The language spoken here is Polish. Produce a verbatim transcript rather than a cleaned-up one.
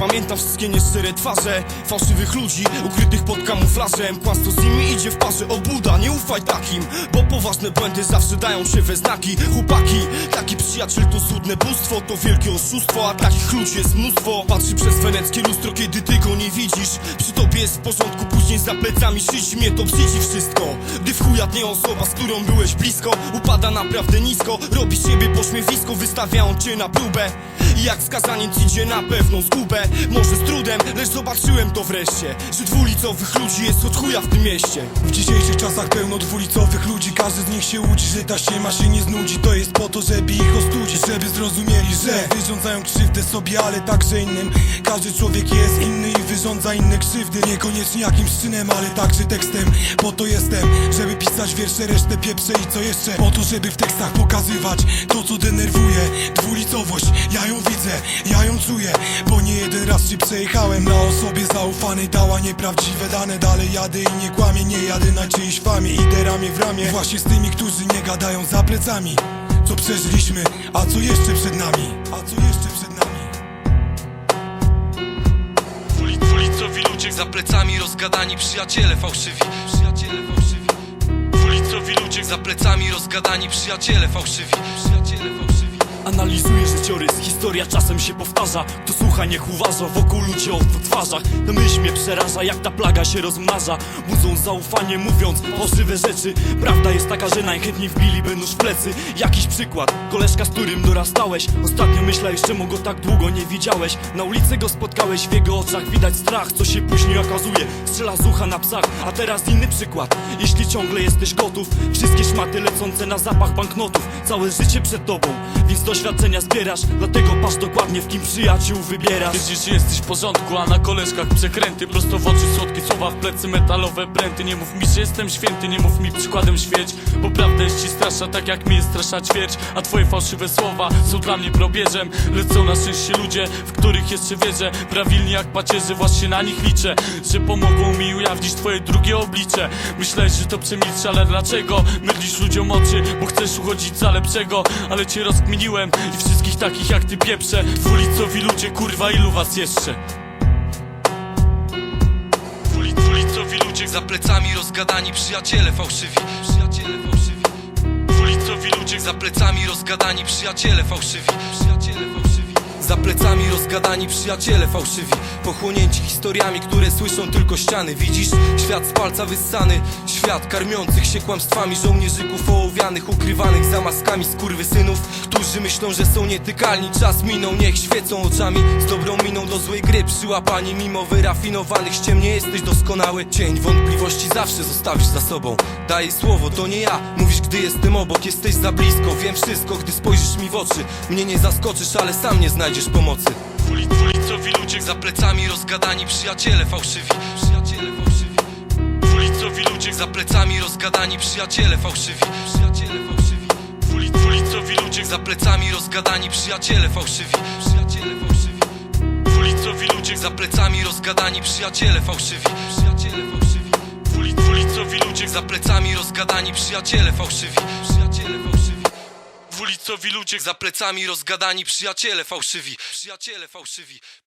pamiętam wszystkie nieszczere twarze fałszywych ludzi, ukrytych pod kamuflażem. Kłamstwo z nimi idzie w parze, obłuda, nie ufaj takim, bo poważne błędy zawsze dają się we znaki. Chłopaki, taki przyjaciel to złudne bóstwo, to wielkie oszustwo, a takich ludzi jest mnóstwo. Patrzy przez weneckie lustro, kiedy ty go nie widzisz. Przy tobie jest w porządku, później za plecami szydzi mnie to brzydzi wszystko. Gdy w chuja dnie osoba, z którą byłeś blisko, upada naprawdę nisko, robi z siebie pośmiewisko, wystawiają cię na próbę. I jak skazaniec idzie na pewną zgubę, może z trudem, lecz zobaczyłem to wreszcie, że dwulicowych ludzi jest od chuja w tym mieście. W dzisiejszych czasach pełno dwulicowych ludzi, każdy z nich się łudzi, że ta ściema się nie znudzi. To jest po to, żeby ich ostudzić, żeby zrozumieli, że wyrządzają krzywdę sobie, ale także innym. Każdy człowiek jest inny i wyrządza inne krzywdy, niekoniecznie jakimś czynem, ale także tekstem. Po to jestem, żeby pisać wiersze, resztę pieprze i co jeszcze? Po to, żeby w tekstach pokazywać to, co denerwuje. Dwulicowość, ja ją widzę, ja ją czuję, bo nie jeden raz się przejechałem na osobie zaufanej, dała nieprawdziwe dane. Dalej jadę i nie kłamię, nie jadę na czyjejś famie, idę ramię w ramię właśnie z tymi, którzy nie gadają za plecami. Co przeżyliśmy, a co jeszcze przed nami, a co jeszcze przed nami. Dwulicowi ludzie za plecami, rozgadani przyjaciele fałszywi, przyjaciele fałszywi. Dwulicowi ludzie za plecami, rozgadani przyjaciele fałszywi, przyjaciele fałszywi. Analizuję życiorys, historia czasem się powtarza. Kto słucha, niech uważa, wokół ludzie o twarzach. Ta myśl mnie przeraża, jak ta plaga się rozmnaża. Budzą zaufanie, mówiąc fałszywe rzeczy. Prawda jest taka, że najchętniej wbiliby nóż w plecy. Jakiś przykład, koleżka, z którym dorastałeś. Ostatnio myślałeś, czemu go tak długo nie widziałeś. Na ulicy go spotkałeś, w jego oczach widać strach, co się później okazuje, strzela z ucha na psach. A teraz inny przykład, jeśli ciągle jesteś gotów, wszystkie szmaty lecące na zapach banknotów. Całe życie przed tobą, więc doświadczenia zbierasz, dlatego patrz dokładnie, w kim przyjaciół wybierasz. Wiedziesz, że jesteś w porządku, a na koleżkach przekręty. Prosto w oczy słodkie słowa, w plecy metalowe pręty. Nie mów mi, że jestem święty, nie mów mi przykładem świeć, bo prawda jest ci strasza, tak jak mi jest strasza ćwierć. A twoje fałszywe słowa są dla mnie probierzem. Lecz są na szczęście ludzie, w których jeszcze wierzę. Prawilni jak pacierze, właśnie na nich liczę, że pomogą mi ujawnić twoje drugie oblicze. Myślałeś, że to przemilczę, ale dlaczego? Mydlisz ludziom oczy, bo chcesz uchodzić za lepszego. Ale cię rozkminiłem i wszystkich takich jak ty pieprzę. Dwulicowi ludzie, kurwa, ilu was jeszcze? Dwulicowi ludzie za plecami, rozgadani przyjaciele fałszywi, przyjaciele fałszywi. Dwulicowi ludzie za plecami, rozgadani przyjaciele fałszywi, przyjaciele fałszywi. Za plecami rozgadani przyjaciele fałszywi, pochłonięci historiami, które słyszą tylko ściany. Widzisz? Świat z palca wyssany, świat karmiących się kłamstwami żołnierzyków ołowianych, ukrywanych za maskami skurwysynów, którzy myślą, że są nietykalni. Czas minął, niech świecą oczami z dobrą miną do złej gry przyłapani. Mimo wyrafinowanych ściem nie jesteś doskonały, cień wątpliwości zawsze zostawisz za sobą. Daj słowo, to nie ja, mówisz, gdy jestem obok, jesteś za blisko. Wiem wszystko, gdy spojrzysz mi w oczy, mnie nie zaskoczysz, ale sam nie znajdziesz pomocy. Dwulicowi ludzie za plecami, rozgadani przyjaciele fałszywi, przyjaciele fałszywi. Dwulicowi ludzie za plecami, rozgadani przyjaciele fałszywi, przyjaciele fałszywi. Dwulicowi ludzie za plecami, rozgadani przyjaciele fałszywi, przyjaciele fałszywi. Dwulicowi ludzie za plecami, rozgadani przyjaciele fałszywi, przyjaciele fałszywi. Dwulicowi ludzie za plecami, rozgadani przyjaciele fałszywi, przyjaciele fałszywi. Dwulicowi ludzie za plecami, rozgadani przyjaciele fałszywi, przyjaciele fałszywi.